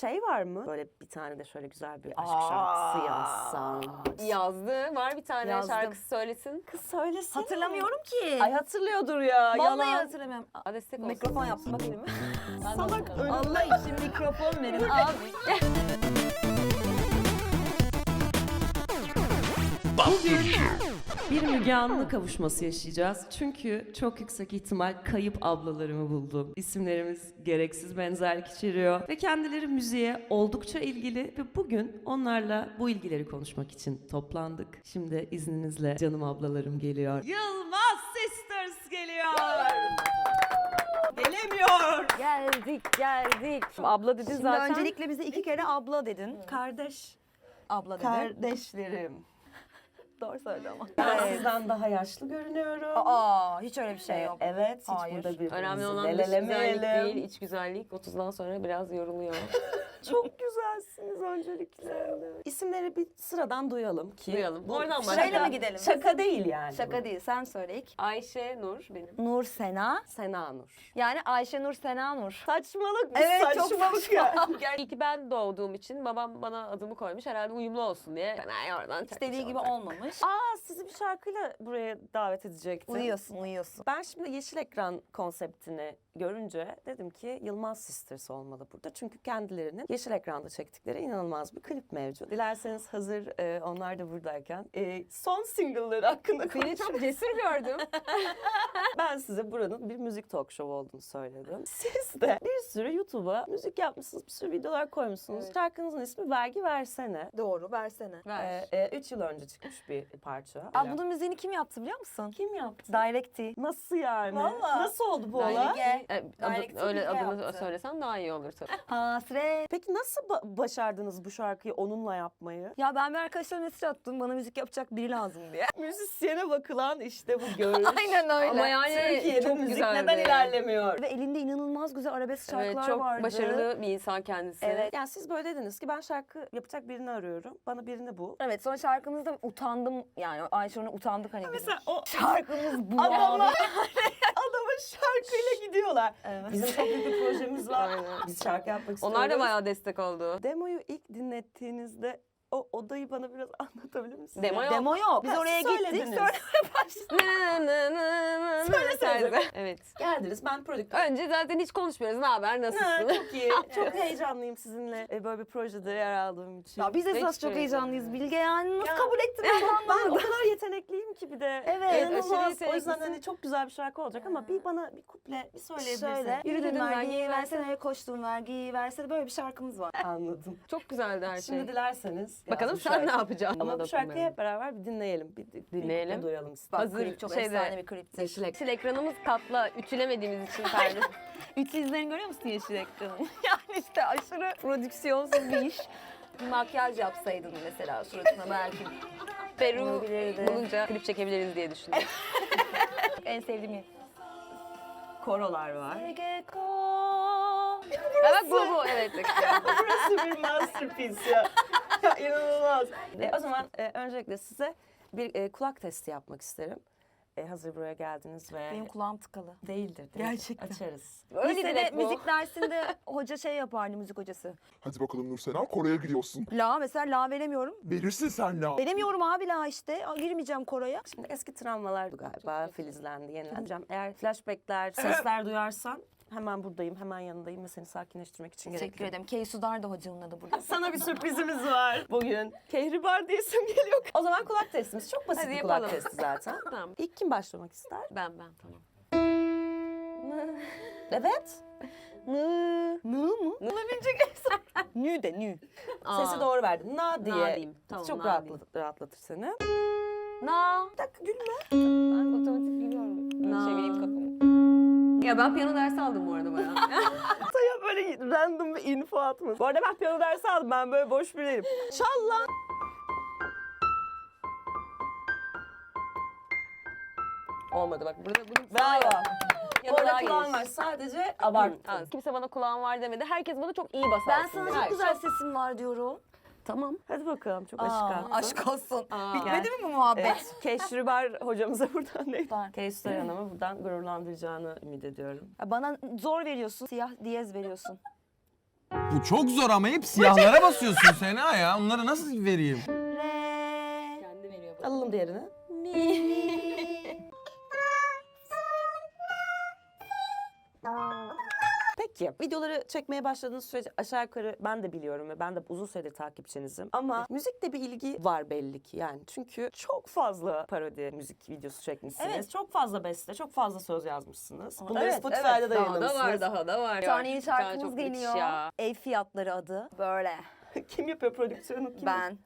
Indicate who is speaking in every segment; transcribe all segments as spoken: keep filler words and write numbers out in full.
Speaker 1: şey var mı? Böyle bir tane de şöyle güzel bir aşk
Speaker 2: Aa.
Speaker 1: şarkısı yazsam.
Speaker 3: Yazdı. Var bir tane
Speaker 2: Yazdım.
Speaker 3: şarkısı söylesin.
Speaker 1: Kız söylesin.
Speaker 2: Hatırlamıyorum ki.
Speaker 1: Ay hatırlıyordur ya.
Speaker 2: Vallahi
Speaker 1: yalan.
Speaker 2: hatırlamıyorum.
Speaker 3: Aa, destek olsun.
Speaker 2: Mikrofon yapsın bakayım.
Speaker 1: Salak önümde.
Speaker 2: Allah için mikrofon verin abi.
Speaker 4: Bir Müge Anlı kavuşması yaşayacağız. Çünkü çok yüksek ihtimal kayıp ablalarımı buldum. İsimlerimiz gereksiz benzerlik içeriyor ve kendileri müziğe oldukça ilgili ve bugün onlarla bu ilgileri konuşmak için toplandık. Şimdi izninizle canım ablalarım geliyor. Yılmaz Sisters geliyor. Gelemiyor.
Speaker 3: Geldik geldik. Abla dedin
Speaker 2: Şimdi
Speaker 3: zaten.
Speaker 2: öncelikle bize iki kere abla dedin.
Speaker 1: Kardeş.
Speaker 2: Abla dedin.
Speaker 1: Kardeşlerim.
Speaker 2: Doğru söyledi ama.
Speaker 1: Ben sizden daha yaşlı görünüyorum.
Speaker 2: Aa, hiç öyle bir şey yok.
Speaker 1: Ee, Evet, hiç
Speaker 2: Hayır.
Speaker 1: burada birbirimizi
Speaker 3: Önemli olan dış
Speaker 1: lelelemeyelim.
Speaker 3: güzellik değil, iç güzellik. otuzdan sonra biraz yoruluyor.
Speaker 1: Çok güzelsiniz öncelikle. İsimleri bir sıradan duyalım ki.
Speaker 3: Duyalım.
Speaker 1: Bu
Speaker 3: Oradan
Speaker 1: şaka-
Speaker 2: Şöyle mi gidelim?
Speaker 1: Şaka değil yani.
Speaker 2: Şaka değil, sen söyle ilk.
Speaker 3: Ayşe Nur benim.
Speaker 2: Nur Sena.
Speaker 1: Sena Nur.
Speaker 2: Yani Ayşe Nur Sena Nur.
Speaker 1: Saçmalık bu
Speaker 2: Evet, çok
Speaker 1: saçmalık ya.
Speaker 3: İyi ki ben doğduğum için babam bana adımı koymuş. Herhalde uyumlu olsun diye. Ben ay oradan
Speaker 2: İstediği gibi
Speaker 3: olacak.
Speaker 2: olmamış.
Speaker 1: Aa, sizi bir şarkıyla buraya davet edecektim.
Speaker 2: Uyuyorsun, uyuyorsun.
Speaker 1: Ben şimdi yeşil ekran konseptini görünce dedim ki Yılmaz Sisters olmalı burada. Çünkü kendilerinin yeşil ekranda çektikleri inanılmaz bir klip mevcut. Dilerseniz hazır e, onlar da buradayken e, son single'ları hakkında
Speaker 3: Seni
Speaker 1: konuşalım.
Speaker 3: çok cesur gördüm.
Speaker 1: Ben size buranın bir müzik talk show olduğunu söyledim. Siz de bir sürü YouTube'a müzik yapmışsınız, bir sürü videolar koymuşsunuz.
Speaker 3: Evet.
Speaker 1: Şarkınızın ismi Vergi Versene.
Speaker 2: Doğru, versene.
Speaker 3: Ver.
Speaker 1: Ee, e, üç yıl önce çıkmış bir parça.
Speaker 2: Aa, bunun müziğini kim yaptı biliyor musun?
Speaker 1: Kim yaptı?
Speaker 2: Direct'i.
Speaker 1: Nasıl yani?
Speaker 2: Vallahi.
Speaker 1: Nasıl oldu bu
Speaker 3: Direkt.
Speaker 1: olay?
Speaker 2: Gel.
Speaker 3: E, adı-
Speaker 2: Direct
Speaker 3: öyle
Speaker 2: Bilge
Speaker 3: adını
Speaker 2: yaptı.
Speaker 3: söylesem daha iyi olur tabii.
Speaker 2: Hasret.
Speaker 1: Peki nasıl ba- başardınız bu şarkıyı onunla yapmayı?
Speaker 2: Ya ben bir arkadaşlarıma mesaj attım. Bana müzik yapacak biri lazım diye.
Speaker 1: Müzisyene bakılan işte bu görüş.
Speaker 2: Aynen öyle.
Speaker 3: Ama yani
Speaker 1: Türkiye'de
Speaker 3: çok
Speaker 1: müzik
Speaker 3: güzeldi.
Speaker 1: neden ilerlemiyor?
Speaker 2: Ve elinde inanılmaz güzel arabesk şarkılar
Speaker 3: Evet, çok
Speaker 2: vardı.
Speaker 3: başarılı bir insan kendisi.
Speaker 2: Evet.
Speaker 1: Yani siz böyle dediniz ki ben şarkı yapacak birini arıyorum. Bana birini bul.
Speaker 2: Evet, sonra şarkımızda utandım yani Ayşe Nur'la utandık hani.
Speaker 1: Mesela o
Speaker 2: Şarkımız bu
Speaker 1: adama,
Speaker 2: abi.
Speaker 1: adama şarkıyla gidiyorlar.
Speaker 2: Evet.
Speaker 1: Bizim çok büyük bir projemiz var.
Speaker 3: Aynen.
Speaker 1: Biz şarkı yapmak istiyoruz.
Speaker 3: Onlar da bayağı destek oldu.
Speaker 1: Demoyu ilk dinlettiğinizde o odayı bana biraz anlatabilir misiniz?
Speaker 3: Demo yok.
Speaker 2: Demo yok. Biz
Speaker 1: Ha,
Speaker 2: oraya
Speaker 1: söylediniz.
Speaker 2: gittik. Sonra
Speaker 3: Nı nı nı nı nı
Speaker 1: Söylesenize.
Speaker 3: tarzı. Evet.
Speaker 1: Geldiniz, ben prodüktör.
Speaker 3: Önce zaten hiç konuşmuyoruz. Ne haber?
Speaker 1: Ha,
Speaker 3: Nasılsın?
Speaker 1: çok iyi. Çok heyecanlıyım sizinle e, böyle bir projede yer aldığım için.
Speaker 2: ya biz de
Speaker 3: Hiç
Speaker 2: esas çok
Speaker 3: öyle
Speaker 2: heyecanlıyız Bilge yani. Nasıl
Speaker 1: Ya.
Speaker 2: kabul ettin ben
Speaker 1: ben o
Speaker 2: anlamadım.
Speaker 1: kadar yetenekliyim ki bir de.
Speaker 2: Evet,
Speaker 1: İnanılmaz.
Speaker 3: aşırı
Speaker 1: O yüzden
Speaker 3: yeteneklisin.
Speaker 1: hani çok güzel bir şarkı olacak ama bir bana bir kuple bir söyleyebilirsin.
Speaker 2: Şöyle.
Speaker 3: Yürüdün
Speaker 2: Yürüdün vergiyi
Speaker 3: vergiyi
Speaker 2: versene, koştun vergiyi versene. Böyle bir şarkımız var.
Speaker 1: Anladım.
Speaker 3: Çok güzeldi her şey.
Speaker 1: Şimdi dilerseniz.
Speaker 3: Bakalım
Speaker 1: ya bu
Speaker 3: sen
Speaker 1: şarkı-
Speaker 3: ne yapacaksın?
Speaker 1: Ama
Speaker 3: Buna
Speaker 1: bu şarkıyı
Speaker 3: dokunmayalım.
Speaker 1: hep beraber bir dinleyelim. Bir, bir
Speaker 3: Dinleyelim.
Speaker 1: Bir duyalım istedim.
Speaker 2: Bak
Speaker 3: Hazır
Speaker 2: klip çok
Speaker 3: şeyde-
Speaker 2: efsane bir klipti.
Speaker 3: Yeşil, ek- yeşil ekranımız katla ütülemediğimiz için pardon.
Speaker 2: Ütü izlerini görüyor musun yeşil ekranın? Yani işte aşırı prodüksiyonsuz bir iş. Makyaj yapsaydın mesela suratına belki.
Speaker 3: Peru
Speaker 2: Olabilirdi.
Speaker 3: bulunca klip çekebiliriz diye düşündüm.
Speaker 2: En sevdiğim yer.
Speaker 1: Korolar var.
Speaker 3: Ha, bak bu bu evet.
Speaker 1: Burası bir masterpiece ya. Ya İnanılmaz. E, o zaman e, öncelikle size bir e, kulak testi yapmak isterim. E, hazır buraya geldiniz ve...
Speaker 2: Benim kulağım tıkalı.
Speaker 1: Değildir. değildir.
Speaker 2: Gerçekten.
Speaker 1: Açarız.
Speaker 3: Öyle
Speaker 2: Lisede
Speaker 3: direkt bu.
Speaker 2: müzik dersinde hoca şey yapardı, müzik hocası.
Speaker 5: Hadi bakalım Nursena, Kore'ye giriyorsun.
Speaker 2: La mesela la veremiyorum.
Speaker 5: Verirsin sen la.
Speaker 2: Veremiyorum abi la işte. Aa, girmeyeceğim koroya.
Speaker 1: Şimdi eski travmalar galiba filizlendi, yenileneceğim. Eğer flashbackler, sesler duyarsan hemen buradayım, hemen yanındayım ve seni sakinleştirmek için
Speaker 2: Teşekkür
Speaker 1: gerekiyor.
Speaker 2: ederim. Keysudar da hocamın adı burada.
Speaker 1: Sana bir sürprizimiz var bugün. Kehribar diye isim geliyor. O zaman kulak testimiz çok basit
Speaker 3: Hadi
Speaker 1: bir kulak
Speaker 3: yapalım.
Speaker 1: testi zaten.
Speaker 3: Tamam.
Speaker 1: İlk kim başlamak ister?
Speaker 3: Ben ben tamam.
Speaker 1: Evet.
Speaker 2: Nı. Nı mı? Olabilecek Nü de nü.
Speaker 3: Aa.
Speaker 1: Sesi doğru verdin. Na diye.
Speaker 3: Na diyeyim. Tamam,
Speaker 1: çok
Speaker 3: na
Speaker 1: rahatlat-
Speaker 3: diyeyim.
Speaker 1: rahatlatır seni.
Speaker 3: Na.
Speaker 1: Bir dakika gülme.
Speaker 2: Ben otomatik biliyorum.
Speaker 3: Na.
Speaker 2: Çevireyim kafamı.
Speaker 3: Ya ben piyano dersi aldım bu arada bayağı.
Speaker 1: Saya böyle random bir info atma. Bu arada ben piyano dersi aldım. Ben böyle boş biriyim. Çal lan.
Speaker 3: Olmadı bak burada bunun
Speaker 1: Bravo.
Speaker 3: Ya
Speaker 1: Bu
Speaker 3: da
Speaker 1: arada
Speaker 3: daha
Speaker 1: kulağın
Speaker 3: geniş.
Speaker 1: var. Sadece
Speaker 3: Hı,
Speaker 1: abarttın.
Speaker 3: az. Kimse bana kulağım var demedi. Herkes bana çok iyi basarsın.
Speaker 2: Ben sana
Speaker 3: dedi.
Speaker 2: çok güzel sesim var diyorum.
Speaker 3: Tamam.
Speaker 1: Hadi bakalım. Çok
Speaker 2: Aa,
Speaker 1: aşk
Speaker 2: aşk olsun.
Speaker 3: Aa.
Speaker 2: Bitmedi mi bu muhabbet?
Speaker 1: Evet. Keşribar hocamıza buradan değil.
Speaker 2: Var.
Speaker 1: Keşribar Hanım'ı buradan gururlandıracağını ümit ediyorum.
Speaker 2: Ya bana zor veriyorsun. Siyah diyez veriyorsun.
Speaker 6: Bu çok zor ama hep siyahlara basıyorsun Sena ya. Onları nasıl vereyim?
Speaker 2: Re.
Speaker 3: Kendi veriyor.
Speaker 1: Alalım diğerini. Peki videoları çekmeye başladığınız sürece aşağı yukarı ben de biliyorum ve ben de uzun süredir takipçinizim. Ama müzikle bir ilgi var belli ki yani. Çünkü çok fazla parodi müzik videosu çekmişsiniz.
Speaker 2: Evet.
Speaker 1: Çok fazla beste, çok fazla söz yazmışsınız. Bunları
Speaker 2: Evet,
Speaker 1: Spotify'da
Speaker 2: evet.
Speaker 1: da
Speaker 3: Daha da var,
Speaker 1: yayınlamışsınız.
Speaker 3: daha da var.
Speaker 2: Bir tane yeni
Speaker 3: Bir tane
Speaker 2: şarkımız
Speaker 3: çok müthiş
Speaker 2: geliyor.
Speaker 3: ya.
Speaker 2: Ev fiyatları adı. Böyle.
Speaker 1: Kim yapıyor prodüksiyonu? Kim?
Speaker 2: Ben.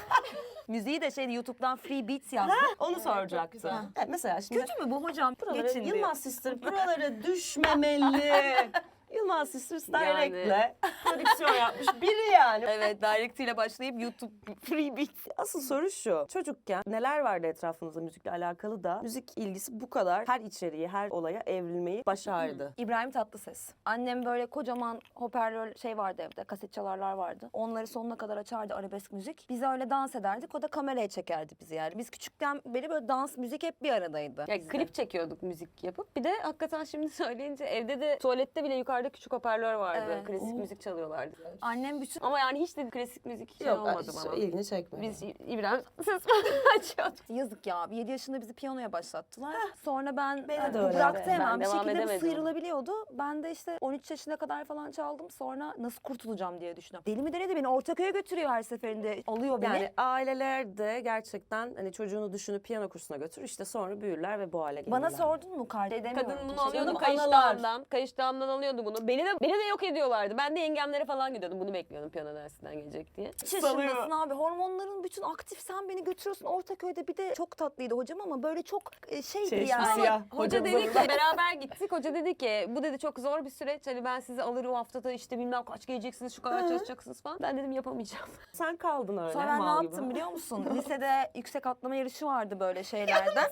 Speaker 2: Müziği de şey YouTube'dan Free Beats yazdım.
Speaker 1: Onu soracaktım. Evet, mesela şimdi
Speaker 2: Kötü mü bu hocam?
Speaker 1: buraları,
Speaker 2: Geçin diyor.
Speaker 1: Yılmaz Sister buralara düşmemeli. Yılmaz Sisters Direct'le prodüksiyon yapmış biri yani.
Speaker 2: Evet, Direct ile başlayıp YouTube Free Beats.
Speaker 1: Asıl soru şu. Çocukken neler vardı etrafınızda müzikle alakalı da müzik ilgisi bu kadar her içeriği, her olaya evrilmeyi başardı.
Speaker 2: İbrahim Tatlıses. Annem böyle kocaman hoparlör şey vardı evde, kaset çalarlar vardı. Onları sonuna kadar açardı, arabesk müzik. Biz öyle dans ederdik, o da kameraya çekerdi bizi yani. Biz küçükten beri böyle dans, müzik hep bir aradaydı.
Speaker 3: Ya klip çekiyorduk müzik yapıp. Bir de hakikaten şimdi söyleyince evde de tuvalette bile yukarıda küçük hoparlör vardı.
Speaker 2: Evet.
Speaker 3: Klasik
Speaker 1: Oo.
Speaker 3: müzik çalıyorlardı.
Speaker 2: Annem bütün...
Speaker 3: Ama yani hiç de klasik müzik şey
Speaker 1: Yok,
Speaker 3: olmadı
Speaker 1: hiç
Speaker 3: bana.
Speaker 1: ilgini çekmedi.
Speaker 3: Biz İbrahim ses açıyorduk.
Speaker 2: Yazık ya, yedi yaşında bizi piyanoya başlattılar. Sonra ben
Speaker 1: Beni
Speaker 2: e,
Speaker 1: de öyle.
Speaker 2: bıraktı
Speaker 3: Ben
Speaker 2: hemen. Bir
Speaker 3: devam
Speaker 2: şekilde bu
Speaker 3: edemedim.
Speaker 2: sıyrılabiliyordu. Ben de işte on üç yaşına kadar falan çaldım. Sonra nasıl kurtulacağım diye düşünüyorum. Deli mi deli de beni Ortaköy'e götürüyor her seferinde. Alıyor beni.
Speaker 1: Yani aileler de gerçekten hani çocuğunu düşünüp piyano kursuna götür işte sonra büyürler ve bu hale gelirler.
Speaker 2: Bana sordun mu kardeşim?
Speaker 3: Kadın bunu
Speaker 2: Teşekkür
Speaker 3: alıyordu
Speaker 2: ederim.
Speaker 3: kayış
Speaker 1: Analar.
Speaker 3: dağından. Kayış dağından alıyordu bunu. Beni de beni de yok ediyorlardı. Ben de yengemlere falan gidiyordum. Bunu bekliyordum piyano dersinden gelecek diye.
Speaker 2: Kaç yaşındasın abi? Hormonların bütün aktif, sen beni götürüyorsun Ortaköy'de. Bir de çok tatlıydı hocam ama böyle çok e, şeydi
Speaker 1: Şey,
Speaker 2: yani.
Speaker 1: siyah.
Speaker 3: Hoca
Speaker 1: Hocamız
Speaker 3: dedi ki
Speaker 1: orada.
Speaker 3: beraber gittik. Hoca dedi ki bu dedi çok zor bir süreç. Hani ben sizi alırım o haftada işte bilmem kaç geleceksiniz şu kadar çalışacaksınız falan. Ben dedim yapamayacağım.
Speaker 1: Sen kaldın öyle.
Speaker 2: Sonra ben ne
Speaker 1: mal
Speaker 2: yaptım
Speaker 1: gibi.
Speaker 2: biliyor musun? Lisede yüksek atlama yarışı vardı böyle şeylerden.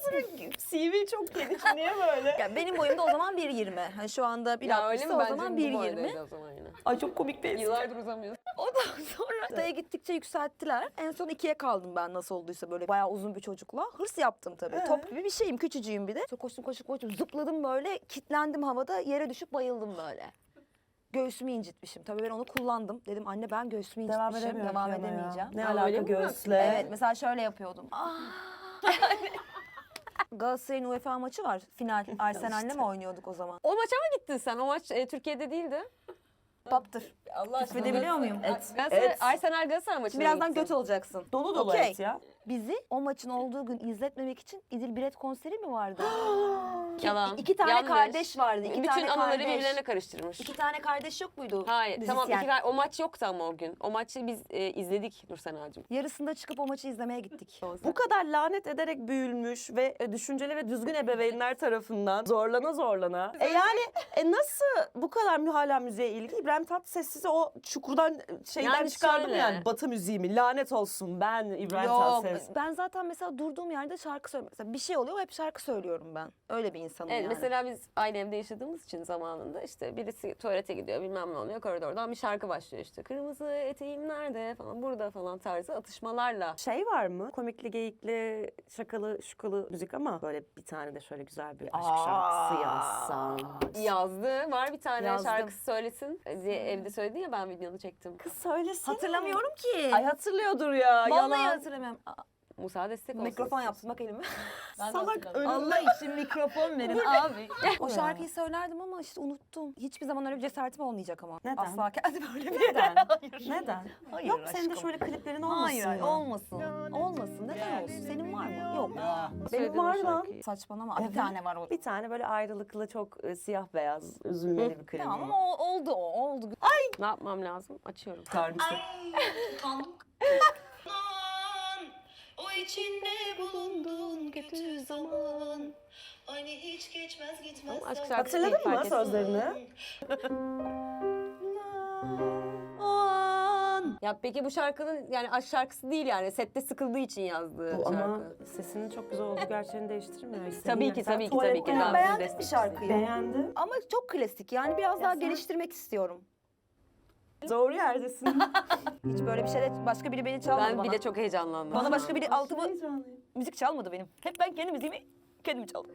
Speaker 1: C V çok geniş. Niye böyle?
Speaker 2: Yani benim boyum da o zaman bir yirmi. Hani şu anda bir
Speaker 3: Ya öyle
Speaker 2: altmışsa
Speaker 3: mi?
Speaker 2: o
Speaker 3: Bence
Speaker 2: zaman
Speaker 3: bu
Speaker 2: bir
Speaker 3: boydaydı
Speaker 2: yirmi.
Speaker 3: o zaman yine.
Speaker 1: Ay çok komik değil.
Speaker 3: Yıllardır uzamıyor.
Speaker 2: Ondan sonra haftaya gittikçe yükselttiler. En son ikiye kaldım ben nasıl olduysa böyle bayağı uzun bir çocukla. Hırs yaptım tabii.
Speaker 1: Ee?
Speaker 2: Top gibi bir şeyim, küçücüğüm bir de. Çok koştum koştum koştum zıpladım böyle, kitlendim havada, yere düşüp bayıldım böyle. Göğsümü incitmişim. Tabii ben onu kullandım. Dedim anne ben göğsümü
Speaker 1: Devam
Speaker 2: incitmişim.
Speaker 1: edemiyorum
Speaker 2: Devam
Speaker 1: piyanoya.
Speaker 2: edemeyeceğim.
Speaker 1: Ne
Speaker 3: Aa,
Speaker 1: alaka
Speaker 3: öyle mi?
Speaker 1: göğüsle?
Speaker 2: Evet mesela şöyle yapıyordum. Galatasaray'ın UEFA maçı var. Final. Arsenal'le mi oynuyorduk o zaman?
Speaker 3: O maça mı gittin sen? O maç e, Türkiye'de değildi.
Speaker 2: Paptır.
Speaker 3: Allah aşkına.
Speaker 2: Küfredebiliyor muyum?
Speaker 1: Et.
Speaker 3: Galatasaray,
Speaker 1: Et.
Speaker 3: Arsenal Galatasaray maçına
Speaker 2: Birazdan
Speaker 3: gittin.
Speaker 2: göt olacaksın.
Speaker 1: Dolu dolu
Speaker 2: Okey.
Speaker 1: et ya.
Speaker 2: Bizi o maçın olduğu gün izletmemek için İdil Biret konseri mi vardı?
Speaker 3: Yalan.
Speaker 2: İki tane
Speaker 3: Yanlış.
Speaker 2: kardeş vardı. İki
Speaker 3: Bütün
Speaker 2: tane
Speaker 3: anıları
Speaker 2: kardeş.
Speaker 3: birbirlerine karıştırmış.
Speaker 2: İki tane kardeş yok muydu?
Speaker 3: Hayır tamam
Speaker 2: Müzisyen.
Speaker 3: iki, kar- o maç yoktu ama o gün. O maçı biz e, izledik Nursena'cığım.
Speaker 2: Yarısında çıkıp o maçı izlemeye gittik.
Speaker 1: Bu kadar lanet ederek büyülmüş ve e, düşünceli ve düzgün ebeveynler tarafından zorlana zorlana. E yani e nasıl bu kadar hala müziğe ilgi? İbrahim Tatlıses sizi o çukurdan e, şeyden
Speaker 3: Yani
Speaker 1: çıkardım
Speaker 3: şöyle.
Speaker 1: yani. Batı müziği mi? Lanet olsun ben İbrahim
Speaker 2: Yok.
Speaker 1: Tatlıses.
Speaker 2: Ben zaten mesela durduğum yerde şarkı söylüyorum. Mesela bir şey oluyor hep şarkı söylüyorum ben. Öyle bir insanım
Speaker 3: Evet
Speaker 2: yani.
Speaker 3: mesela biz aynı evde yaşadığımız için zamanında işte birisi tuvalete gidiyor bilmem ne oluyor koridordan bir şarkı başlıyor işte. Kırmızı eteğim nerede falan burada falan tarzı atışmalarla.
Speaker 1: Şey var mı? Komikli, geyikli, şakalı, şukalı müzik ama böyle bir tane de şöyle güzel bir aşk
Speaker 2: Aa.
Speaker 1: şarkısı yazsan.
Speaker 3: Yazdı. Var bir tane
Speaker 2: Yazdım.
Speaker 3: şarkısı söylesin diye evde söyledi ya ben videonu çektim.
Speaker 1: Kız söylesene.
Speaker 2: Hatırlamıyorum ki.
Speaker 1: Ay hatırlıyordur ya.
Speaker 2: Vallahi
Speaker 1: yalan.
Speaker 2: hatırlamıyorum. Aa,
Speaker 3: Musa destek olsun.
Speaker 2: mikrofon yapsın bak elime.
Speaker 1: Salak önünde.
Speaker 2: Allah için mikrofon verin abi. O şarkıyı söylerdim ama işte unuttum. Hiçbir zaman öyle bir cesaretim olmayacak ama.
Speaker 1: Neden?
Speaker 2: Asla kendi böyle bir
Speaker 1: Neden?
Speaker 2: Hayır.
Speaker 1: Neden?
Speaker 2: Hayır
Speaker 1: Yok senin de
Speaker 2: aşkım.
Speaker 1: şöyle kliplerin olmasın
Speaker 2: Hayır, hayır
Speaker 1: mı?
Speaker 2: olmasın. Olmasın. Neden olsun? Senin var mı? Yok.
Speaker 1: Benim
Speaker 3: Söyledin o
Speaker 1: var lan.
Speaker 3: şarkıyı.
Speaker 2: Saçmalama.
Speaker 1: Evet.
Speaker 2: Bir tane var o.
Speaker 1: Bir tane böyle ayrılıklı çok e, siyah beyaz üzülmeli bir klip.
Speaker 2: Tamam ama o, oldu o. Oldu.
Speaker 3: Ne yapmam lazım? Açıyorum.
Speaker 1: Kardeşim.
Speaker 7: O içinde bulunduğun kötü zaman hani hiç geçmez gitmez.
Speaker 3: Ama aşk
Speaker 7: zaman.
Speaker 3: şarkısı değil,
Speaker 1: Hatırladın mı
Speaker 3: fark ettim.
Speaker 1: sözlerini?
Speaker 2: O an.
Speaker 3: Ya peki bu şarkının yani aşk şarkısı değil yani sette sıkıldığı için yazdığı
Speaker 1: Bu
Speaker 3: şarkı.
Speaker 1: ama sesinin çok güzel olduğu gerçeğini değiştirmiyor.
Speaker 3: Tabii ki
Speaker 1: Sen
Speaker 3: tabii ki tabii ki.
Speaker 1: tuvalette
Speaker 3: Ben bunu
Speaker 2: beğendim bir
Speaker 3: destekçisiyim.
Speaker 2: şarkıyı.
Speaker 1: Beğendi.
Speaker 2: Ama çok klasik. Yani biraz daha
Speaker 1: sen-
Speaker 2: geliştirmek istiyorum.
Speaker 1: Doğru yerdesin.
Speaker 2: Hiç böyle bir şeyde başka biri beni çalmadı
Speaker 3: Ben
Speaker 2: bana.
Speaker 3: bile çok heyecanlandım.
Speaker 2: Bana başka biri altımı
Speaker 1: Heyecanlıyım.
Speaker 2: müzik çalmadı benim. Hep ben kendi müziğimi kendim çaldım.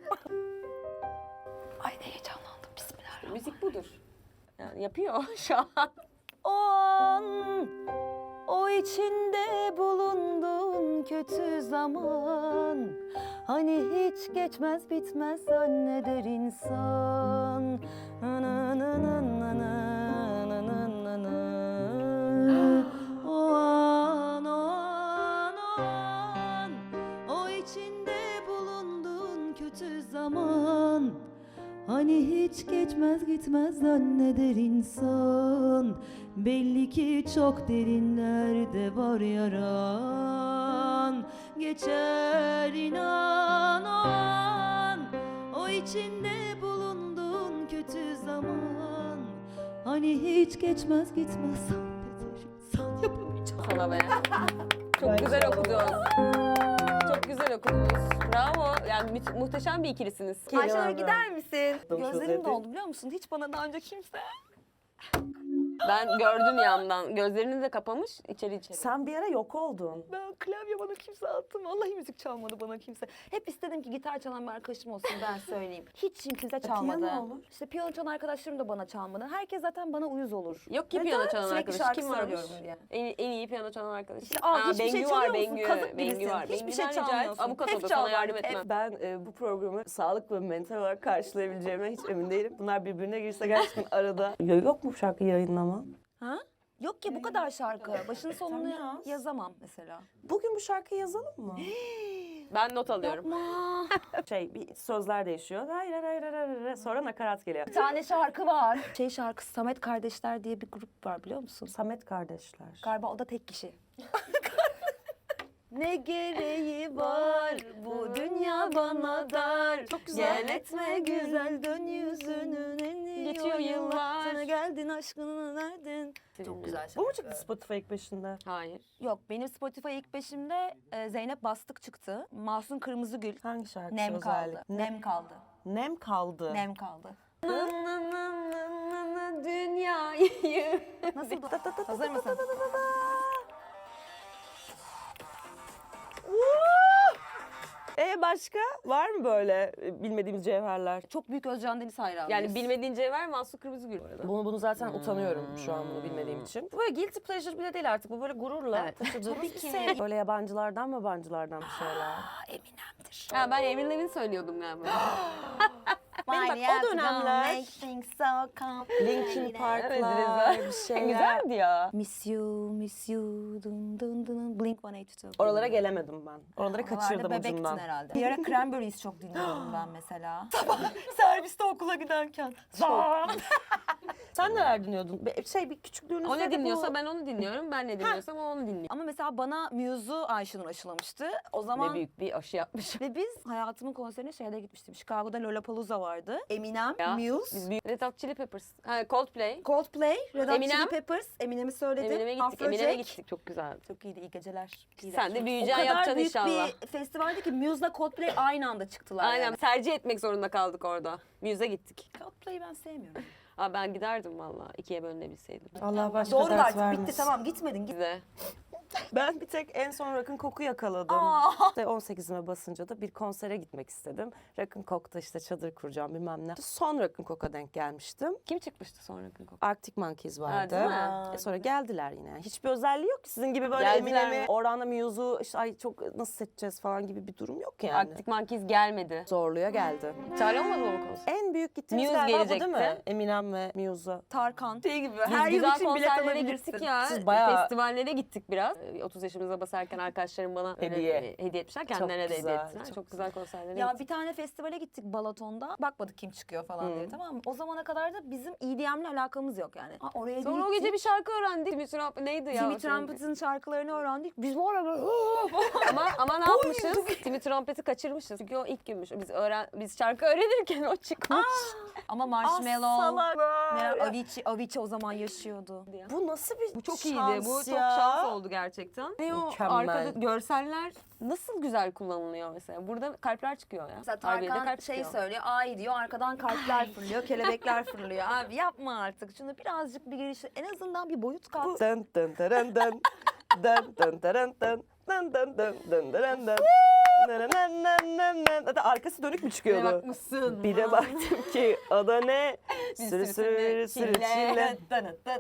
Speaker 2: Ay ne heyecanlandım. Bismillah.
Speaker 3: Müzik budur. Yani yapıyor şu an.
Speaker 2: O an, o içinde bulunduğun kötü zaman, hani hiç geçmez bitmez zanneder insan. Na na na na na na na na na. O an, o an, o an, o içinde bulunduğun kötü zaman, hani hiç geçmez gitmez zanneder insan. Belli ki çok derinlerde var yaran. Geçer inan o an, o içinde bulunduğun kötü zaman, hani hiç geçmez gitmez zanneder insan. Yapamayacağım.
Speaker 3: Sana be. Çok güzel okudun. Çok güzel okudunuz. Bravo. Yani mü- muhteşem bir ikilisiniz.
Speaker 2: Ayşenur gider misin?
Speaker 1: Domuz
Speaker 2: Gözlerim
Speaker 1: özeti.
Speaker 2: doldu biliyor musun? Hiç bana daha önce kimse.
Speaker 3: Ben gördüm yandan. Gözlerini de kapamış, içeri içeri.
Speaker 1: Sen bir ara yok oldun.
Speaker 2: Ben klavye bana kimse attı. Vallahi müzik çalmadı bana kimse. Hep istedim ki gitar çalan bir arkadaşım olsun, ben söyleyeyim. Hiç kimse çalmadı.
Speaker 1: piyano olur.
Speaker 2: İşte piyano çalan arkadaşlarım da bana çalmadı. Herkes zaten bana uyuz olur.
Speaker 3: Yok ki
Speaker 2: Neden?
Speaker 3: piyano çalan
Speaker 2: Sürekli
Speaker 3: arkadaş.
Speaker 2: şarkı
Speaker 3: Kim varmış?
Speaker 2: söylüyorum diye.
Speaker 3: En, en iyi piyano çalan arkadaş.
Speaker 2: İşte, aa, hiçbir şey
Speaker 3: Bengü
Speaker 2: çalıyor
Speaker 3: var,
Speaker 2: musun?
Speaker 3: Bengü.
Speaker 2: Kazık
Speaker 3: Bengü
Speaker 2: birisin.
Speaker 3: var.
Speaker 2: Hiçbir
Speaker 3: Bengü'den
Speaker 2: şey
Speaker 3: rica et.
Speaker 2: çalmıyorsun.
Speaker 3: Avukat
Speaker 2: Hep
Speaker 3: olur,
Speaker 2: çal
Speaker 3: sana
Speaker 2: bak,
Speaker 3: yardım
Speaker 2: hep.
Speaker 3: etmem.
Speaker 1: Ben e, bu programı sağlıklı ve mental olarak karşılayabileceğime hiç emin değilim. Bunlar birbirine girse gerçekten arada. Ya yok mu şarkı yayınlama?
Speaker 2: Ha? Yok ki bu kadar şarkı. Başını sonunu
Speaker 1: Tamam yaz.
Speaker 2: yazamam mesela.
Speaker 1: Bugün bu şarkıyı yazalım mı?
Speaker 3: Ben not alıyorum.
Speaker 2: Yapma.
Speaker 1: şey bir sözler değişiyor. Hayır hayır hayır hayır, hayır. Sonra nakarat geliyor.
Speaker 2: Bir tane şarkı var. Şey şarkısı, Samet Kardeşler diye bir grup var biliyor musun?
Speaker 1: Samet kardeşler.
Speaker 2: Galiba o da tek kişi. Ne gereği var bu dünya bana dar.
Speaker 3: Çok güzel.
Speaker 2: Gel etme güzel dön yüzünün en
Speaker 3: Geçiyor yıllar.
Speaker 2: Sana geldin aşkını verdin. Çok güzel
Speaker 1: Bu mu çıktı Spotify ilk beşinde?
Speaker 3: Hayır.
Speaker 2: Yok benim Spotify ilk beşimde e, Zeynep Bastık çıktı. Masum Kırmızıgül.
Speaker 1: Hangi şarkısı
Speaker 2: Nem kaldı.
Speaker 1: özellikle?
Speaker 2: Nem kaldı.
Speaker 1: Nem kaldı.
Speaker 2: Nem kaldı.
Speaker 3: Dünyayı.
Speaker 2: Nasıl? Hazır mısın?
Speaker 1: E başka? Var mı böyle e, bilmediğimiz cevherler?
Speaker 2: Çok büyük Özcan Deniz hayranıyız.
Speaker 3: Yani bilmediğin cevher Mahsun Kırmızıgül bu arada.
Speaker 1: Bunu bunu zaten utanıyorum şu an bunu bilmediğim için. Bu böyle guilty pleasure bile değil artık. Bu böyle gururla
Speaker 2: Evet.
Speaker 1: taşıdığımız
Speaker 2: Tabii
Speaker 1: bir
Speaker 2: ki.
Speaker 1: sevgi. Böyle yabancılardan mı yabancılardan bir şeyler.
Speaker 2: Aa, Eminem'dir.
Speaker 3: Ha, ben Avril Lavigne söylüyordum galiba.
Speaker 1: Benim bak o dönemler Linkin Park'lar
Speaker 3: Evet,
Speaker 1: bir şeyler.
Speaker 3: Güzeldi ya.
Speaker 2: Miss you, miss you, dun dun dun, Blink yüz altmış iki.
Speaker 1: Oralara gelemedim ben. Oraları
Speaker 2: Oralarda
Speaker 1: kaçırdım
Speaker 2: bebektin
Speaker 1: ucundan.
Speaker 2: herhalde. Bir ara Cranberries çok dinliyordum ben mesela.
Speaker 1: Serviste okula giderken. Sen neler dinliyordun? Be- Şey bir küçüklüğünüzde
Speaker 3: O ne
Speaker 1: de bu-
Speaker 3: dinliyorsa ben onu dinliyorum. Ben ne dinliyorsam o onu dinliyor.
Speaker 2: Ama mesela bana Muse'u Ayşenur aşılamıştı. O
Speaker 3: Ne
Speaker 2: zaman
Speaker 3: büyük bir aşı yapmış.
Speaker 2: ve biz hayatımın konserine şeyde gitmiştim. Chicago'da Lollapalooza vardı. Eminem,
Speaker 3: Ya,
Speaker 2: Muse,
Speaker 3: Biz büyük Red Hot Chili Peppers. Ha, Coldplay.
Speaker 2: Coldplay, Red Hot
Speaker 3: Eminem.
Speaker 2: Chili Peppers. Eminem'i söyledim.
Speaker 3: Eminem'e gittik.
Speaker 2: Afrojack.
Speaker 3: Eminem'e gittik. Çok güzeldi.
Speaker 2: Çok iyiydi, iyi geceler.
Speaker 3: Sen de
Speaker 2: O
Speaker 3: büyüyeceksin,
Speaker 2: kadar
Speaker 3: yapacaksın
Speaker 2: büyük
Speaker 3: inşallah.
Speaker 2: bir festivaldi ki Muse'la Coldplay aynı anda çıktılar.
Speaker 3: Aynen.
Speaker 2: Yani.
Speaker 3: Tercih etmek zorunda kaldık orada. Muse'e gittik.
Speaker 2: Coldplay'i ben sevmiyorum.
Speaker 3: Aa, ben giderdim valla. İkiye bölünebilseydim.
Speaker 1: Allah başka
Speaker 2: Doğru
Speaker 1: dert
Speaker 2: artık bitti
Speaker 1: vermesin.
Speaker 2: tamam gitmedin. Git.
Speaker 3: Bize.
Speaker 1: Ben bir tek en son Rock'n Coke'u yakaladım.
Speaker 2: Aa.
Speaker 1: İşte on sekizime basınca da bir konsere gitmek istedim. Rock'n Coke'da işte çadır kuracağım bilmem ne. Son Rock'n Coke'a denk gelmiştim.
Speaker 3: Kim çıkmıştı sonra Coke?
Speaker 1: Arctic Monkeys vardı.
Speaker 3: değil mi?
Speaker 1: E sonra geldiler yine. Hiçbir özelliği yok ki. Sizin gibi böyle
Speaker 3: Geldiler
Speaker 1: Eminem'i,
Speaker 3: mi?
Speaker 1: Orhan'la Muse'u işte ay çok nasıl seçeceğiz falan gibi bir durum yok yani.
Speaker 3: Arctic Monkeys gelmedi.
Speaker 1: Zorluya geldi.
Speaker 3: Çare olmadı mı bu konser?
Speaker 1: En büyük gittiğimiz
Speaker 3: Muse
Speaker 1: galiba bu değil mi?
Speaker 3: gelecekti.
Speaker 1: Eminem ve Muse'a.
Speaker 2: Tarkan. Şey gibi.
Speaker 3: Biz
Speaker 2: Her yıl
Speaker 3: güzel
Speaker 2: için bilet
Speaker 3: konserlere
Speaker 2: alabilirsin.
Speaker 3: gittik ya.
Speaker 1: Siz bayağı-
Speaker 3: Festivallere gittik biraz. Ee, otuz yaşımıza basarken arkadaşlarım bana öyle,
Speaker 1: Hediye.
Speaker 3: e, hediye etmişler. Kendilerine de hediye
Speaker 1: güzel,
Speaker 3: ettiler. Çok,
Speaker 1: çok
Speaker 3: güzel konserlere
Speaker 2: Ya
Speaker 3: gittik.
Speaker 2: bir tane festivale gittik Balaton'da. Bakmadık kim çıkıyor falan
Speaker 1: Hı.
Speaker 2: diye tamam mı? O zamana kadar da bizim E D M'le alakamız yok yani. Ha, oraya
Speaker 3: Sonra o
Speaker 2: gittik.
Speaker 3: gece bir şarkı öğrendik. Timmy Trumpet neydi ya?
Speaker 2: Timmy
Speaker 3: o şarkı?
Speaker 2: Trumpet'ın şarkılarını öğrendik. Biz var ya böyle
Speaker 3: ama ama ne yapmışız? Timmy Trumpet'i kaçırmışız. Çünkü o ilk günmüş. Biz öğren biz şarkı öğrenirken o çıkmış.
Speaker 2: ama
Speaker 1: Ah,
Speaker 2: Marshmallow,
Speaker 1: salaklar.
Speaker 2: Meral Avicii, Avicii o zaman yaşıyordu.
Speaker 1: Bu nasıl bir
Speaker 3: Bu çok
Speaker 1: şans
Speaker 3: iyiydi. Bu çok
Speaker 1: ya?
Speaker 3: şans oldu gerçekten. Ne o
Speaker 1: Mükemmel.
Speaker 3: arkada görseller nasıl güzel kullanılıyor mesela. Burada kalpler çıkıyor ya.
Speaker 2: Mesela
Speaker 3: Harbiye'de
Speaker 2: Tarkan
Speaker 3: kalp
Speaker 2: şey
Speaker 3: çıkıyor.
Speaker 2: söylüyor, ay diyor, arkadan kalpler fırlıyor, kelebekler fırlıyor. Abi yapma artık, şunu birazcık bir giriş, en azından bir boyut kat.
Speaker 1: Dın dın dın dın dın dın dın dın dın dın dın dın dın dın. Nı nı nı nı nı. Hatta arkası dönük mü
Speaker 3: Bir
Speaker 1: çıkıyordu?
Speaker 3: bakmışsın.
Speaker 1: Bir de baktım ki o da ne?
Speaker 3: Bir
Speaker 1: Sürü
Speaker 3: sürü
Speaker 1: sürü sürü
Speaker 3: çile.
Speaker 1: çile.
Speaker 2: Dın dın dın.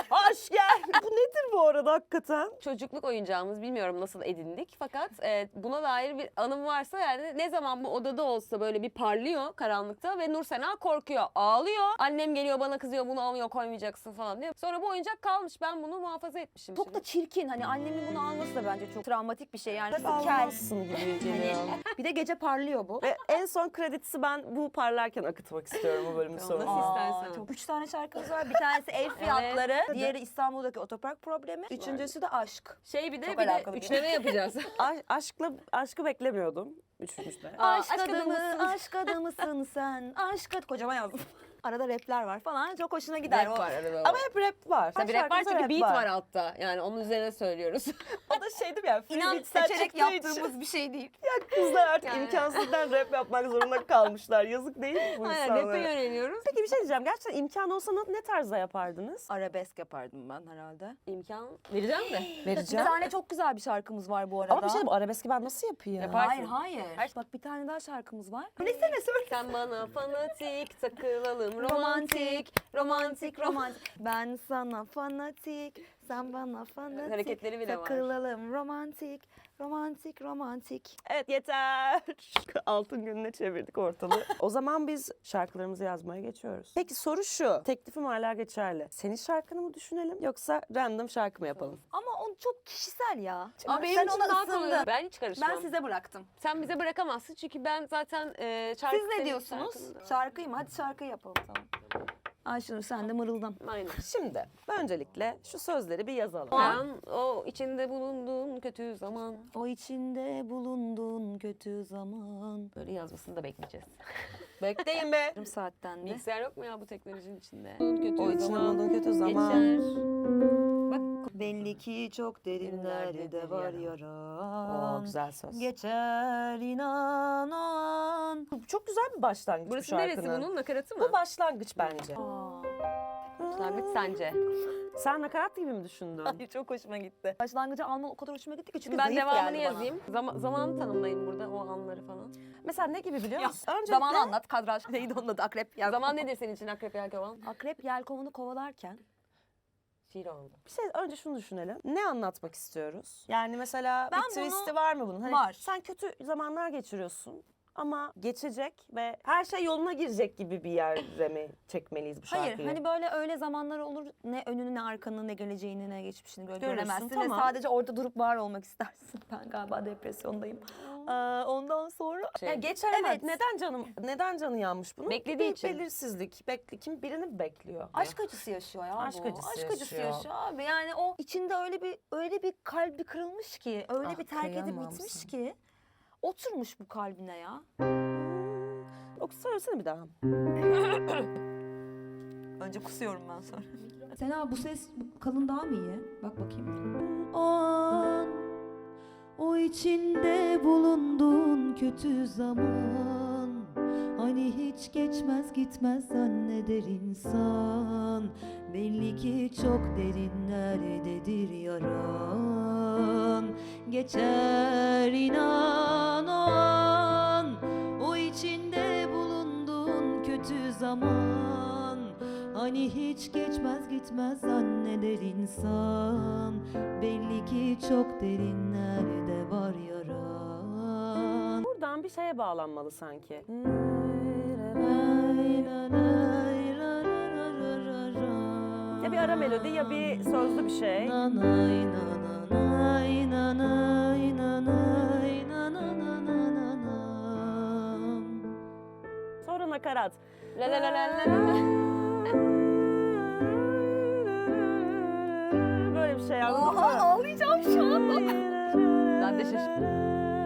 Speaker 1: Hoş gel. Bu nedir bu arada hakikaten?
Speaker 3: Çocukluk oyuncağımız, bilmiyorum nasıl edindik fakat e, buna dair bir anım varsa yani ne zaman bu odada olsa böyle bir parlıyor karanlıkta ve Nursena korkuyor, ağlıyor. Annem geliyor bana kızıyor, bunu almıyor koymayacaksın falan diyor. Sonra bu oyuncak kalmış, ben bunu muhafaza etmişim.
Speaker 2: Çok da çirkin. Hani annemin bunu alması da bence çok travmatik bir şey. Yani nasıl kel.
Speaker 1: Almazsın gibi geliyor.
Speaker 2: Bir de gece parlıyor bu.
Speaker 1: Ve en son kredisi ben bu parlarken akıtmak istiyorum bu bölümün sonunda.
Speaker 3: Nasıl istersen.
Speaker 2: Çok. Üç tane şarkımız var. Bir tanesi ev fiyatları, diğeri İstanbul'daki otopark problemi, üçüncüsü de aşk.
Speaker 3: Şey bir de
Speaker 2: Çok
Speaker 3: bir de
Speaker 2: alakalı bir
Speaker 3: üçleme yapacağız.
Speaker 1: A- aşkla aşkı beklemiyordum. Üçüncüde.
Speaker 3: Aa,
Speaker 2: Aşk,
Speaker 3: aşk
Speaker 2: adamı,
Speaker 3: adamısın.
Speaker 2: aşk adamısın sen. Aşk ad- kocaman yazdım. Arada rapler var falan. Çok hoşuna gider.
Speaker 3: Rap
Speaker 2: o.
Speaker 3: var arada.
Speaker 1: Ama hep rap var.
Speaker 3: Tabii rap var
Speaker 1: Şarkımızda
Speaker 3: çünkü beat var altta. Yani onun üzerine söylüyoruz.
Speaker 1: O da şeydim ya. free
Speaker 2: İnan
Speaker 1: beats'ten
Speaker 2: seçerek
Speaker 1: çıktığı için.
Speaker 2: yaptığımız bir şey değil.
Speaker 1: Kızlar artık
Speaker 3: Yani.
Speaker 1: imkansızdan rap yapmak zorunda kalmışlar. Yazık değil mi bu
Speaker 3: Aynen rap'e
Speaker 1: insanlara?
Speaker 3: yöneliyoruz.
Speaker 1: Peki bir şey diyeceğim. Gerçekten imkan olsa ne- ne tarzda yapardınız?
Speaker 2: Arabesk yapardım ben herhalde.
Speaker 3: İmkan vereceğim de.
Speaker 2: Bir
Speaker 1: Vereceğim.
Speaker 2: tane çok güzel bir şarkımız var bu arada.
Speaker 1: Ama bir şey diyeyim, arabeski ben nasıl yapayım?
Speaker 3: Yaparsın.
Speaker 2: Hayır hayır. Bak bir tane daha şarkımız var. Nesene söyle.
Speaker 3: Sen bana fanatik takılalım romantik.
Speaker 2: Romantik, romantik, romantik. Ben sana fanatik, sen bana fanatik.
Speaker 3: Hareketleri bile var.
Speaker 2: Takılalım romantik, romantik, romantik.
Speaker 1: Evet yeter. Altın gününe çevirdik ortalığı. O zaman biz şarkılarımızı yazmaya geçiyoruz. Peki soru şu. Teklifim hala geçerli. Senin şarkını mı düşünelim yoksa random şarkı mı yapalım?
Speaker 2: Ama o çok kişisel ya.
Speaker 3: Ama benim
Speaker 2: Sen
Speaker 3: için
Speaker 2: ona
Speaker 3: daha kolay.
Speaker 2: ısındın.
Speaker 3: Ben hiç karışmam.
Speaker 2: Ben size bıraktım.
Speaker 3: Sen bize bırakamazsın çünkü ben zaten e, şarkı
Speaker 2: Siz ne
Speaker 3: senin
Speaker 2: diyorsunuz?
Speaker 3: şarkında-
Speaker 2: Şarkıyı mı? Hadi şarkıyı yapalım tamam. Ayşenur sen de mırıldan.
Speaker 3: Aynen.
Speaker 1: Şimdi öncelikle şu sözleri bir yazalım.
Speaker 3: Ben o içinde bulunduğum kötü zaman.
Speaker 2: O içinde bulunduğun kötü zaman.
Speaker 3: Böyle yazmasını da bekleyeceğiz.
Speaker 1: Bekleyin be.
Speaker 2: Yarım saatten de.
Speaker 3: Bilgisayar yok mu ya bu teknolojinin içinde? Kötü
Speaker 1: O içinde
Speaker 3: zaman
Speaker 1: bulunduğun kötü zaman.
Speaker 3: geçer.
Speaker 2: Belli ki çok derinlerde var
Speaker 1: O
Speaker 2: yaran.
Speaker 1: güzel söz.
Speaker 2: Geçer inan o an.
Speaker 1: Bu çok güzel bir başlangıç
Speaker 3: Burası
Speaker 1: bu
Speaker 3: neresi
Speaker 1: şarkının.
Speaker 3: bunun? Nakaratı mı?
Speaker 1: Bu başlangıç bence.
Speaker 3: Başlangıç sence?
Speaker 1: Sen nakarat gibi mi düşündün?
Speaker 2: Ay çok hoşuma gitti. Başlangıcı alman o kadar hoşuma gitti ki çünkü
Speaker 3: Ben
Speaker 2: zayıf
Speaker 3: devamını
Speaker 2: geldi bana.
Speaker 3: yazayım. Zama, zamanı tanımlayayım burada o anları falan.
Speaker 1: Mesela ne gibi biliyor
Speaker 2: Ya,
Speaker 1: musun? Öncelikle
Speaker 2: Zamanı anlat kadraj. Neydi onun adı? Akrep. Yelkovan.
Speaker 3: Zaman nedir senin için akrep yelkovan?
Speaker 2: Akrep yelkovunu kovalarken
Speaker 3: Şiir oldu.
Speaker 1: bir şey önce şunu düşünelim. Ne anlatmak istiyoruz? Yani mesela
Speaker 2: Ben
Speaker 1: bir twist'i
Speaker 2: bunu-
Speaker 1: var mı bunun? Hani
Speaker 2: Var.
Speaker 1: Sen kötü zamanlar geçiriyorsun ama geçecek ve her şey yoluna girecek gibi bir yere mi çekmeliyiz bu şarkıyı?
Speaker 2: hayır hani böyle öyle zamanlar olur ne önünü ne arkanı ne geleceğini ne geçmişini böyle
Speaker 1: Görürsün,
Speaker 2: göremezsin
Speaker 1: tamam.
Speaker 2: ve sadece orada durup var olmak istersin. Ben galiba depresyondayım. Ee, ondan sonra
Speaker 3: Şey,
Speaker 1: Ya geçer ama
Speaker 2: Evet.
Speaker 1: neden canım neden canı yanmış bunun?
Speaker 3: Beklediği
Speaker 1: bir
Speaker 3: için.
Speaker 1: Belirsizlik. Bekle, kim birini mi bekliyor?
Speaker 2: aşk acısı yaşıyor ya
Speaker 1: Aşk
Speaker 2: bu.
Speaker 1: acısı
Speaker 2: aşk acısı
Speaker 1: yaşıyor.
Speaker 2: yaşıyor abi. Yani o içinde öyle bir öyle bir kalbi kırılmış ki, öyle
Speaker 1: Ah,
Speaker 2: bir terk edip
Speaker 1: kıyamam
Speaker 2: bitmiş
Speaker 1: sana.
Speaker 2: ki oturmuş bu kalbine ya.
Speaker 1: Oku söylesene bir daha.
Speaker 2: Önce kusuyorum ben sonra.
Speaker 8: Sena bu ses bu kalın daha mı iyi? Bak bakayım. O an, o içinde bulunduğun kötü zaman, hani hiç geçmez gitmez zanneder insan. Belli ki çok derinlerdedir yaran. Geçer inan o an, o içinde bulunduğun kötü zaman, hani hiç geçmez gitmez zanneder insan. Belli ki çok derinlerde var yaran.
Speaker 1: Buradan bir şeye bağlanmalı sanki. Ya bir ara melodi ya bir sözlü bir şey.
Speaker 8: Nanay nananay nanay nanay nanananananam.
Speaker 1: Sonra nakarat.
Speaker 3: La la la la la la.
Speaker 1: Böyle bir şey anladın mı?
Speaker 2: Ağlayacağım şu an.
Speaker 3: Ben de şaşırdım.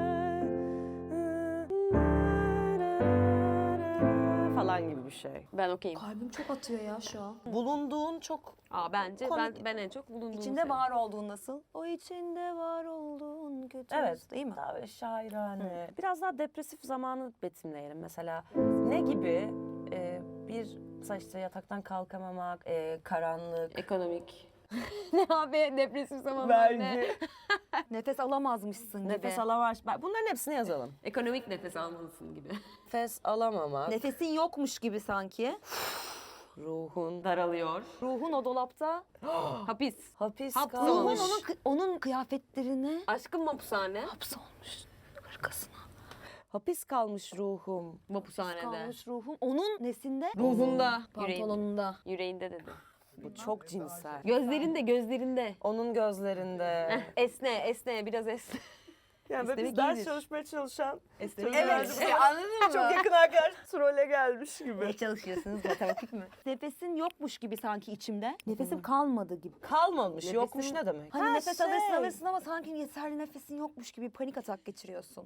Speaker 1: Falan gibi bir şey.
Speaker 3: Ben okeyim.
Speaker 8: Kalbim çok atıyor ya şu an.
Speaker 1: Bulunduğun çok
Speaker 3: Aa bence ben
Speaker 1: Komik.
Speaker 3: ben en çok bulunduğum
Speaker 2: İçinde
Speaker 3: şey.
Speaker 2: var olduğun nasıl? O içinde var olduğun kötü.
Speaker 1: Evet.
Speaker 2: Değil mi?
Speaker 1: daha böyle şairane. Biraz daha depresif zamanı betimleyelim. Mesela ne gibi e, bir mesela işte yataktan kalkamamak, e, karanlık,
Speaker 3: Ekonomik. ne abi depresif zamanlar ne?
Speaker 1: vergi,
Speaker 2: Nefes alamazmışsın gibi.
Speaker 1: nefes alamaz. Bak, bunların hepsini yazalım.
Speaker 3: Ekonomik nefes almalısın gibi.
Speaker 1: Nefes alamamak.
Speaker 2: Nefesin yokmuş gibi sanki.
Speaker 1: Ruhun daralıyor.
Speaker 2: Ruhun o dolapta.
Speaker 3: Hapis.
Speaker 1: Hapis
Speaker 3: Hapsi
Speaker 1: kalmış.
Speaker 2: Ruhun onun, kı- onun kıyafetlerine
Speaker 3: Aşkın mapushane.
Speaker 2: hapsolmuş. Hırkasına
Speaker 1: Hapis kalmış ruhum.
Speaker 3: Mapushanede.
Speaker 2: kalmış ruhum. Onun nesinde?
Speaker 3: Ruhunda. Yüreğinde.
Speaker 2: Pantolonunda.
Speaker 3: Yüreğinde dedi.
Speaker 1: Bu çok cinsel.
Speaker 3: Gözlerinde, gözlerinde.
Speaker 1: Onun gözlerinde.
Speaker 3: Heh, esne, esne, biraz esne.
Speaker 1: Yani böyle
Speaker 3: İstemek
Speaker 1: biz ders
Speaker 3: iyidir.
Speaker 1: çalışmaya çalışan
Speaker 3: Esnemek
Speaker 1: Evet.
Speaker 3: iyidir.
Speaker 2: Anladın mı?
Speaker 1: çok yakın arkadaş trole gelmiş gibi.
Speaker 2: Ne çalışıyorsunuz matematik mi? Nefesin yokmuş gibi sanki içimde. Nefesim kalmadı gibi.
Speaker 1: Kalmamış.
Speaker 3: Nefesin-
Speaker 1: Yokmuş ne demek?
Speaker 2: Hani
Speaker 1: Ha,
Speaker 2: nefes
Speaker 1: şey.
Speaker 2: alırsın alırsın ama sanki yeterli nefesin yokmuş gibi panik atak geçiriyorsun.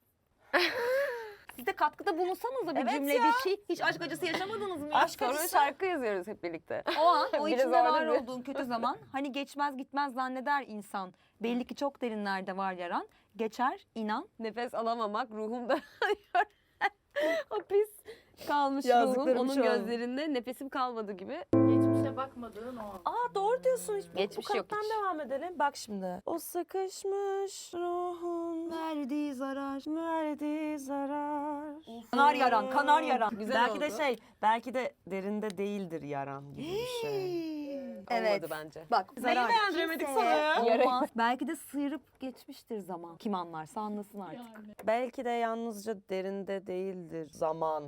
Speaker 2: Siz de katkıda bulunsanız bir
Speaker 1: Evet
Speaker 2: cümle
Speaker 1: ya.
Speaker 2: bir şey. Hiç aşk acısı yaşamadınız mı?
Speaker 1: Aşk
Speaker 3: Sonra
Speaker 1: acısı.
Speaker 3: şarkı yazıyoruz hep birlikte.
Speaker 2: O an, o
Speaker 3: Biraz
Speaker 2: içinde var
Speaker 3: öyle bir-
Speaker 2: olduğun kötü zaman. Hani geçmez gitmez zanneder insan. Belli ki çok derinlerde var yaran. Geçer, inan.
Speaker 3: Nefes alamamak ruhumda hapis kalmış ruhum.
Speaker 1: Yazdıklarım
Speaker 3: Onun
Speaker 1: şu an.
Speaker 3: gözlerinde nefesim kalmadı gibi.
Speaker 8: Geçmişe bakmadığın o an.
Speaker 1: Aa doğru diyorsun. Hiç.
Speaker 3: Geçmiş
Speaker 1: Bu
Speaker 3: yok
Speaker 1: kattan
Speaker 3: hiç.
Speaker 1: devam edelim. Bak şimdi. O sıkışmış ruhun
Speaker 2: Verdiği zarar.
Speaker 1: verdiği zarar.
Speaker 2: Kanar yaran, kanar yaran.
Speaker 3: Güzel
Speaker 1: belki
Speaker 3: oldu.
Speaker 1: de şey, belki de derinde değildir yaran gibi bir şey.
Speaker 2: Evet.
Speaker 3: Olmadı bence.
Speaker 2: Bak,
Speaker 1: Neyi
Speaker 2: zarar
Speaker 1: beğendiremedik
Speaker 2: kimseye
Speaker 1: sana ya?
Speaker 2: olmaz. Belki de sıyırıp geçmiştir zaman. Kim anlarsa anlasın artık.
Speaker 1: Belki de yalnızca derinde değildir zaman.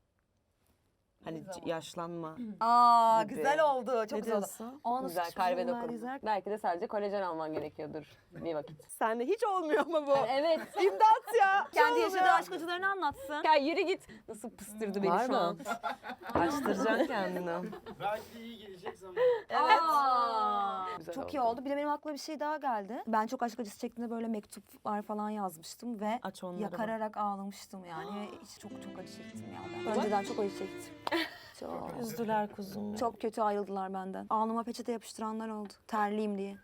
Speaker 1: Hani c- yaşlanma.
Speaker 2: Aa
Speaker 1: Gibi.
Speaker 2: güzel oldu. Çok
Speaker 1: Ne
Speaker 2: güzel oldu.
Speaker 1: diyorsun?
Speaker 2: Aa, nasıl
Speaker 3: Güzel,
Speaker 2: çıkmış
Speaker 3: kalbe
Speaker 2: bunlar,
Speaker 3: dokun.
Speaker 2: güzel.
Speaker 3: Belki de sadece kolajen alman gerekiyordur bir vakit.
Speaker 1: Sende hiç olmuyor mu bu?
Speaker 3: Evet.
Speaker 1: İmdat ya.
Speaker 2: Kendi
Speaker 1: Hiç
Speaker 2: yaşadığı
Speaker 1: olmuyor.
Speaker 2: aşk acılarını anlatsın.
Speaker 3: Ya yürü git. Nasıl pıstırdı beni
Speaker 1: Var
Speaker 3: şu
Speaker 1: mı?
Speaker 3: an.
Speaker 1: Açtıracaksın kendini.
Speaker 9: Belki iyi gelecek zaman.
Speaker 2: Evet.
Speaker 3: Güzel
Speaker 2: Çok
Speaker 3: oldu.
Speaker 2: iyi oldu. Bir de benim aklıma bir şey daha geldi. Ben çok aşk acısı çektiğimde böyle mektuplar falan yazmıştım ve
Speaker 1: Aç onları. bak.
Speaker 2: yakararak ağlamıştım yani. Hiç çok çok acı çektim ya ben. Önceden çok acı çektim. Çok.
Speaker 1: Üzdüler kuzum.
Speaker 2: Çok kötü ayrıldılar benden. Alnıma peçete yapıştıranlar oldu. Terliyim diye.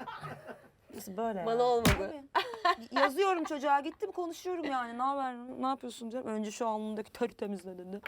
Speaker 1: Biz böyle.
Speaker 3: Bana olmadı.
Speaker 2: Yazıyorum çocuğa gittim konuşuyorum yani. Ne haber? Ne yapıyorsun diyorum. Önce şu alnındaki teri temizle dedi.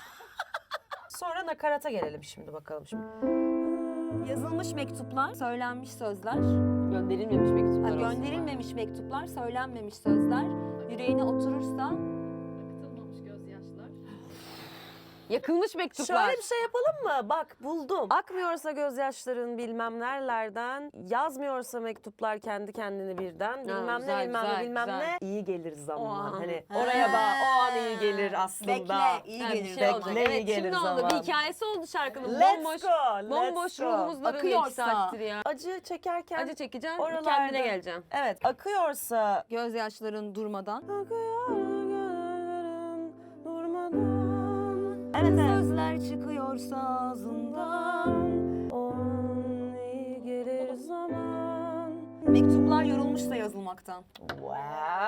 Speaker 1: Sonra nakarata gelelim şimdi bakalım şimdi.
Speaker 2: Yazılmış mektuplar, söylenmiş sözler.
Speaker 3: Gönderilmemiş
Speaker 2: Ha,
Speaker 3: mektuplar olsun.
Speaker 2: gönderilmemiş mektuplar, söylenmemiş sözler. Yüreğine oturursa
Speaker 8: Akıtılmamış gözyaşlar.
Speaker 3: Yakılmış mektuplar.
Speaker 1: Şöyle bir şey yapalım mı? Bak buldum. Akmıyorsa gözyaşların bilmem nerelerden, yazmıyorsa mektuplar kendi kendini birden, bilmem
Speaker 3: güzel,
Speaker 1: ne bilmem
Speaker 3: güzel,
Speaker 1: ne bilmem
Speaker 3: güzel.
Speaker 1: ne. İyi gelir zaman.
Speaker 3: O an.
Speaker 1: Hani
Speaker 2: Ha.
Speaker 1: oraya bak o an iyi gelir aslında.
Speaker 2: bekle, iyi
Speaker 3: Ha, bir
Speaker 2: gelir.
Speaker 3: şey olacak.
Speaker 1: Bekle, iyi
Speaker 3: Evet,
Speaker 1: gelir
Speaker 3: şimdi oldu.
Speaker 1: zaman.
Speaker 3: Bir hikayesi oldu şarkının.
Speaker 1: Let's
Speaker 3: bomboş,
Speaker 1: go, let's
Speaker 3: bomboş
Speaker 1: go.
Speaker 3: ruhumuz daralıyor iki
Speaker 2: Akıyorsa.
Speaker 3: saattir ya.
Speaker 1: Acı çekerken
Speaker 3: Acı çekeceğim,
Speaker 1: oralarda-
Speaker 3: kendine geleceğim.
Speaker 1: evet akıyorsa
Speaker 2: Gözyaşların durmadan.
Speaker 1: akıyor gözlerin durmadan.
Speaker 2: Evet, sözler çıkıyorsa ağzından.
Speaker 1: O an iyi gelir zaman.
Speaker 2: Mektuplar yorulmuşsa yazılmaktan.
Speaker 1: Wow.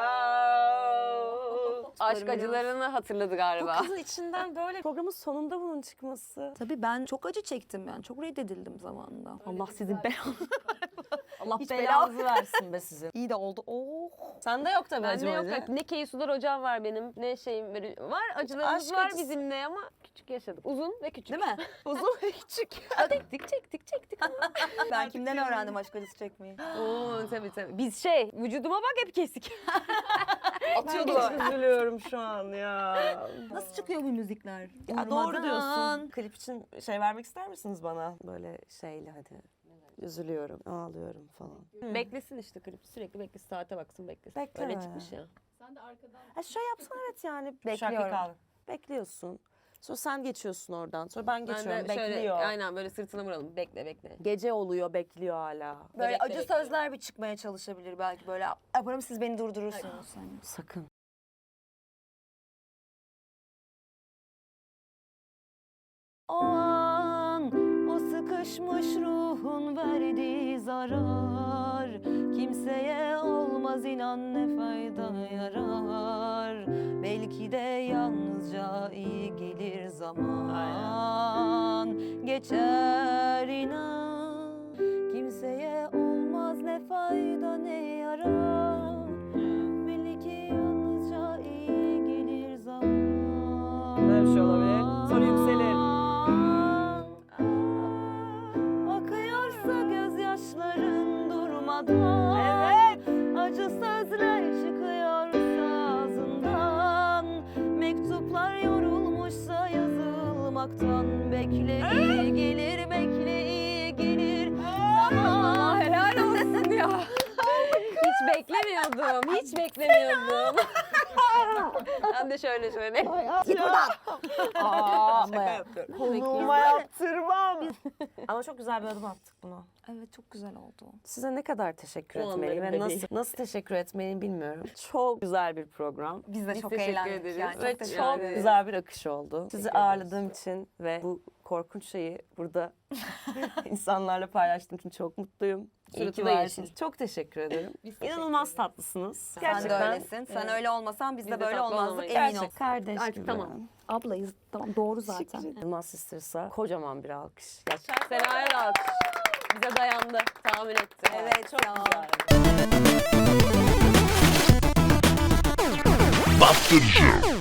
Speaker 3: Aşk acılarını hatırladı
Speaker 1: Bu
Speaker 3: galiba.
Speaker 1: kızın içinden böyle programın sonunda bunun çıkması.
Speaker 2: Tabii ben çok acı çektim yani. Çok reddedildim zamanında. Allah sizin belanızı. Allah
Speaker 1: Hiç
Speaker 2: belanızı.
Speaker 1: belanızı versin be sizin.
Speaker 2: İyi de oldu. Oh.
Speaker 1: Sende yok tabii
Speaker 3: Bende
Speaker 1: acı
Speaker 3: yok.
Speaker 1: acı.
Speaker 3: bak, Ne Keysular hocam var benim, ne şeyim böyle. Var acılarımız
Speaker 1: aşk
Speaker 3: var
Speaker 1: acısı.
Speaker 3: bizim de ama küçük yaşadık. Uzun ve küçük.
Speaker 2: Değil mi?
Speaker 1: Uzun ve küçük.
Speaker 3: Çektik çektik çektik.
Speaker 2: Ben kimden öğrendim aşk acısı çekmeyi?
Speaker 3: Oo tabii tabii. Biz şey, vücuduma bak hep kesik.
Speaker 1: Atıyordu. Çok üzülüyorum şu an ya.
Speaker 2: Nasıl çıkıyor bu müzikler?
Speaker 1: Ya doğru
Speaker 2: Durmadan.
Speaker 1: diyorsun. Klip için şey vermek ister misiniz bana? Böyle şeyle hadi. Üzülüyorum, ağlıyorum falan.
Speaker 3: Beklesin işte klip. Sürekli beklesin. Saate baksın beklesin.
Speaker 1: Bekleme.
Speaker 3: Öyle çıkmış ya.
Speaker 8: Sen de arkadan
Speaker 1: Ha şöyle yapsana evet yani.
Speaker 2: Bekliyorum.
Speaker 1: Şarkı kal. Bekliyorsun. Sonra sen geçiyorsun oradan. Sonra ben
Speaker 3: Ben
Speaker 1: geçiyorum.
Speaker 3: de şöyle,
Speaker 1: bekliyor.
Speaker 3: aynen böyle sırtına vuralım. Bekle bekle.
Speaker 1: Gece oluyor, bekliyor hala.
Speaker 2: Böyle
Speaker 3: Bekle,
Speaker 2: acı
Speaker 3: bekle.
Speaker 2: sözler bir çıkmaya çalışabilir belki böyle. Yaparım siz beni durdurursunuz. Hani.
Speaker 1: Sakın.
Speaker 2: O an o sıkışmış ruhun verdiği zarar kimseye olmaz inan ne fayda yarar. Belki de yalnızca iyi gelir zaman geçer inan. Kimseye olmaz ne fayda ne yarar. Belki yalnızca iyi gelir zaman.
Speaker 1: Böyle bir şey olabilir. Sonra yükselir.
Speaker 2: Akıyorsa gözyaşların durmadan. Evet. Acı sözler çıkıyorsa ağzından. Mektuplar yorulmuşsa yazılmaktan. uzaktan bekle iyi gelir bekle iyi gelir. Zaman
Speaker 3: Helal olsun ya. Hiç beklemiyordum. Hiç beklemiyordum. Ben de şöyle şöyle.
Speaker 2: git buradan.
Speaker 1: Aa,
Speaker 2: Şaka yapıyorum.
Speaker 1: konuğuma yaptırmam. Ama çok güzel bir adım attık buna.
Speaker 2: Evet çok güzel oldu.
Speaker 1: Size ne kadar teşekkür
Speaker 3: O
Speaker 1: etmeliyim ve
Speaker 3: anların
Speaker 1: nasıl
Speaker 3: bebeği.
Speaker 1: nasıl teşekkür etmeliyim bilmiyorum. Çok güzel bir program.
Speaker 2: Biz de
Speaker 3: Biz
Speaker 2: çok
Speaker 3: teşekkür
Speaker 2: eğlendik
Speaker 3: ederiz.
Speaker 2: yani.
Speaker 1: Ve
Speaker 2: Çok
Speaker 1: çok,
Speaker 2: teşekkür ederiz.
Speaker 1: güzel bir akış oldu. Sizi
Speaker 3: Teşekkür ederiz.
Speaker 1: ağırladığım için ve bu korkunç şeyi burada insanlarla paylaştığım için çok mutluyum. İyi
Speaker 3: Suratı
Speaker 1: ki
Speaker 3: da
Speaker 1: varsınız.
Speaker 3: yeşil.
Speaker 1: Çok teşekkür ederim.
Speaker 3: Biz teşekkür
Speaker 1: İnanılmaz
Speaker 3: ederiz.
Speaker 1: tatlısınız.
Speaker 2: Sen
Speaker 1: Gerçekten.
Speaker 2: de öylesin. Sen öyle olmasan biz,
Speaker 3: Biz
Speaker 2: de
Speaker 3: de
Speaker 2: böyle
Speaker 3: tatlı
Speaker 2: olmazdık
Speaker 3: olamayız.
Speaker 2: emin ol.
Speaker 1: Gerçek kardeş
Speaker 3: Artık
Speaker 1: gibi.
Speaker 3: tamam.
Speaker 2: Ablayız. Tamam doğru zaten.
Speaker 1: İnanılmaz Sisters'a kocaman bir alkış. Gerçekten.
Speaker 3: Sena'ya da alkış. Bize dayandı. Tahmin etti.
Speaker 2: Evet çok güzel.
Speaker 5: Bastırıcı.